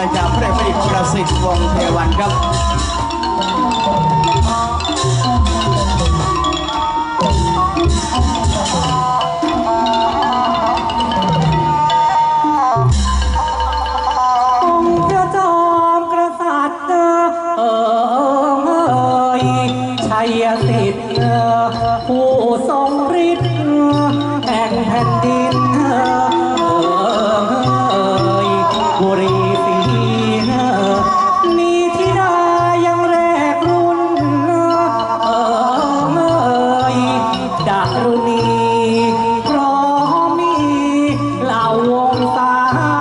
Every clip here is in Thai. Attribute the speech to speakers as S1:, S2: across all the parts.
S1: มาจากพระบดิตรประสิทธิ์วงศ์เทวันครับ
S2: ชัยสิทธิ์ผู้ทรงฤทธิ์แห่งแผ่นดินบุรีศรีมีธิดายังแรกรุ่นดารุณีพร้อมมีเหล่าวงศา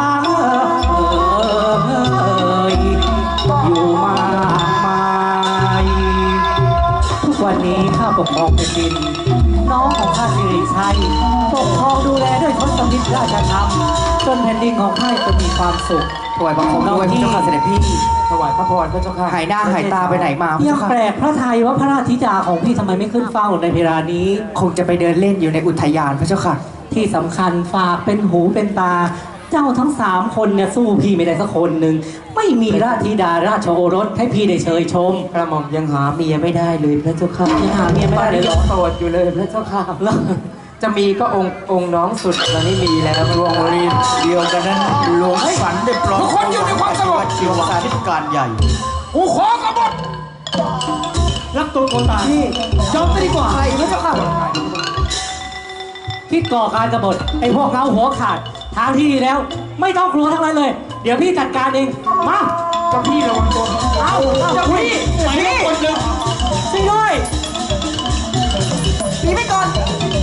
S2: อยู่มากมายวันนี้ข้าปกครองแผ่นดินน้องของข้าสิริชัยปกครองดูแลด้วยทศมิตรราชธรรมจนแผ่นดินของข้าจะมีความสุขถวายบังคมด้วยพระเจ้าข้าเสด็จพี่ถวายพระพรพระเจ้าข้าหายหน้าหายตาไปไหนมายังแปลกพระทัยว่าพระราชธิดาของพี่ทำไมไม่ขึ้นเฝ้าในเวลานี้คงจะไปเดินเล่นอยู่ในอุทยานพระเจ้าค่ะที่สำคัญฝากเป็นหูเป็นตาเจ้าทั้ง3คนเนี่ยสู้พี่ไม่ได้สักคนหนึ่งไม่มีราชธิดาราชโอรสให้พี่ได้เชยชมกระหม่อมยังหาเมียไม่ได้เลยพระเจ้าค่ะยังหาเมียไม่ได้เลยโสดอยู่เลยพระเจ้าค่ะจะมีก็องค์น้องสุดตอนนี้มีแล้ว
S1: ดวงวรีเดียวกันนั้นหลวงฝันได้ปลอมคนอยู่ในความสงบชีวาธิการใหญ่
S3: กูขอกบฏ
S2: รับตัวคนตายพี่ยอมไปดีกว่าพระเจ้าค่ะคิดก่อการกบฏไอ้พวกเราหัวขาดทางที่ดีแล้วไม่ต้องกลัวทั้งนั้นเลยเดี๋ยวพี่จัดการเองมา
S3: เจ้าพี่ระวังตัว
S2: เอาเจ้าพี่นี่ช่วยด้วยหนีไปก่อน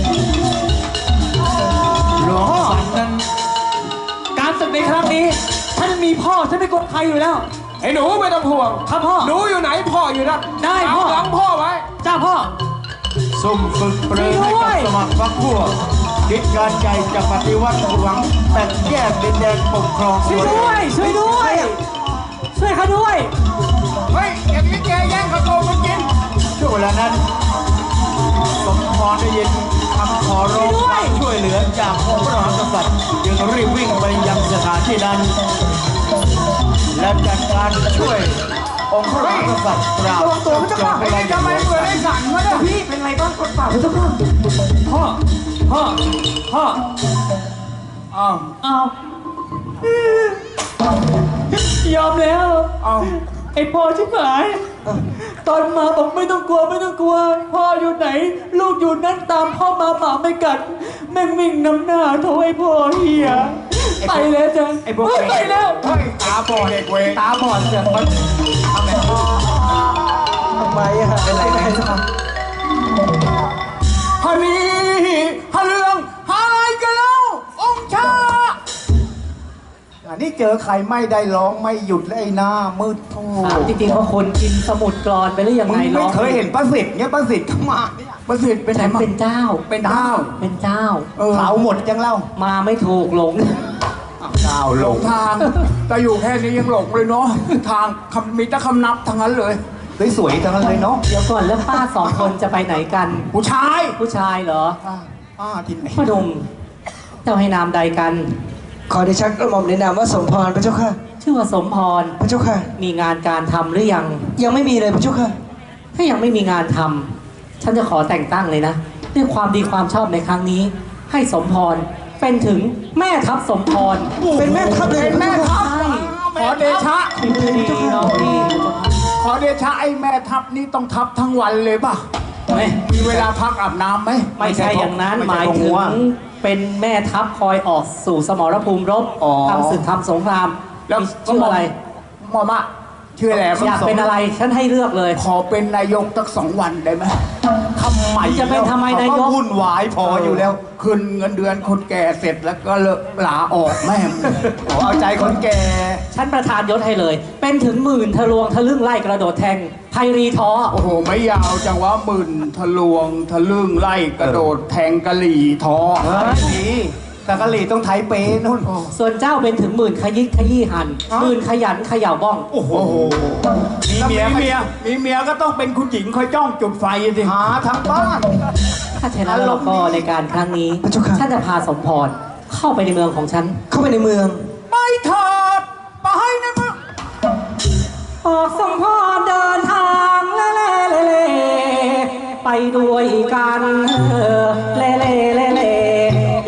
S1: หลวงฝันนั้น
S2: การศึกในครั้งนี้ฉันมีพ่อฉันไม่กดใครอยู่แล้ว
S3: ไอ้หนูไม่ต้องห่วง
S2: ครับพ่อ
S3: หนูอยู่ไหนพ่ออยู่นั่น
S2: ได้พ่อ
S3: หลังพ่อไว้
S2: จ้าพ่อ
S1: ซุ่มฝึกเปรย์ให้กับสมัครพรรคพวกคิดการใหญ่จะปฏิวัติหวังแต่แยกดินแดนปกครอง
S2: ช่วยด้วยช่วยด้วยช่วยเขาด้วย
S3: เฮ้ยอย่างนี้แกแย่งข้าวต้มมันกิน
S1: ช่วงเวลานั้นสมพรได้ยินคำขอร้องความช่วยเหลือจากองค์พระมหากษัตริย์จึงรีบวิ่งไปยังสถานที่นั้นและจัดการช่วยองค์พระมหากษัตริย์ปราบ
S3: ตัวพระเจ้าข้าไอ้ทำไมเปิดไอ้สั่นมาเนี่ย
S2: พี่เป็นไรบ้างกดปากพระเจ้าข้าพ่อเอายอมแล้วไอ้พ่อชิบหายตอนมาบอกไม่ต้องกลัวพ่ออยู่ไหนลูกอยู่นั่นตามพ่อมาหมาไม่กัดแม่งวิ่งนำหน้าโทรไอ้พ่อเฮียไปแล้วจ้ะไปแล้ว
S3: ตาบอดเด็กเว
S2: ตาบอดเสียมันทำไมอะเป็นไรกันจ๊ะ
S3: ฮันนี่ฮันเรื่องหายกันแล้วองค์ชา
S1: อันนี้เจอใครไม่ได้ร้องไม่หยุดเลยหน้ามืดโธ่
S2: จริงๆเขาคนกินสมุดกรอนไปหรือยังไง
S1: ไม่เคยเห็นประสิทธิ์เนี่ยประสิทธิ์เข้ามาประสิทธิ์เป็นไหน
S2: เป็นเจ้า
S1: เขาหมดยังเล่า
S2: มาไม่ถูกหลง
S3: หลงทางแต่อยู่แค่นี้ยังหลงเลยเนาะทางมีแต่คำนับทั้งนั้นเลย
S1: สวยๆทั้งนั้นเลยเนาะ
S2: เดี๋ยวก่อนแล้วป้า2 คนจะไปไหนกัน
S3: ผู้ช
S2: ายเหรอ
S1: ป้าที่ไหน
S2: พ่อดมเจ้าให้นามใดกัน
S4: ขอเดชะกระหม่อมในนามว่าสมพรพระเจ้าค่ะ
S2: ชื่อว่าสมพร
S4: พระเจ้าค่ะ
S2: มีงานการทำหรือยัง
S4: ไม่มีเลยพระเจ้าค่ะ
S2: ถ้ายังไม่มีงานทำฉันจะขอแต่งตั้งเลยนะด้วยความดีความชอบในครั้งนี้ให้สมพรเป็นถึงแม่ทัพสมพร
S4: เป็นแม่ทัพเลย
S3: แม่ทัพขอเดชะขอเดชะไอ้แม่ทัพนี้ต้องทัพทั้งวันเลยป่ะมีเวลาพักอาบน้ำไหม
S2: ไม่ใช่อย่างนั้นหมายถึงเป็นแม่ทัพคอยออกสู่สมรภูมิรบทำศึกทำสงคราม
S3: แล้ว
S2: ชื่ออะไร
S3: หม่อมะชื่ออะไร
S2: อยากเป็นอะไรฉันให้เลือกเลย
S3: ขอเป็นนายกสัก2 วันได้ไหม
S2: ทำไมจะเป็นทำไมนายก
S1: วุ่นวายพออยู่แล้ว
S3: ขึ้นเงินเดือนคนแก่เสร็จแล้วก็ลาออกแม่
S1: เอาใจคนแก่
S2: ฉันประทานยศให้เลยเป็นถึง10,000 ทะลวงทะลึ่งไล่กระโดดแทงไพรีท้อ
S3: โอ้โหไม่ยาวจังว่า10,000 ทะลวงทะลึ่งไล่กระโดดแทงกะหรี่ท้อ
S1: นี่แต่กะหรี่ต้องไทยเป๊นู่น
S2: ส่วนเจ้าเป็นถึง10,000 ขยิกขยี้หัน10,000 ขยันเขย่าบ้อง
S1: โอ้โห
S3: มีเมียก็ต้องเป็นคุณหญิงคอยจ้องจุดไฟสิ
S1: หาทางบ้าน
S2: ถ้าเช่นนั้นเราก็ในการครั้งนี้ฉันจะพาสมพรเข้าไปในเมืองของฉัน
S4: เข้าไปในเมือง
S3: ไปเถิดไปในเมือง
S2: ออกส่งพ่อเดินทางเล่เล่เล่เล่ไปด้วยกันเล่เล่เล่เล่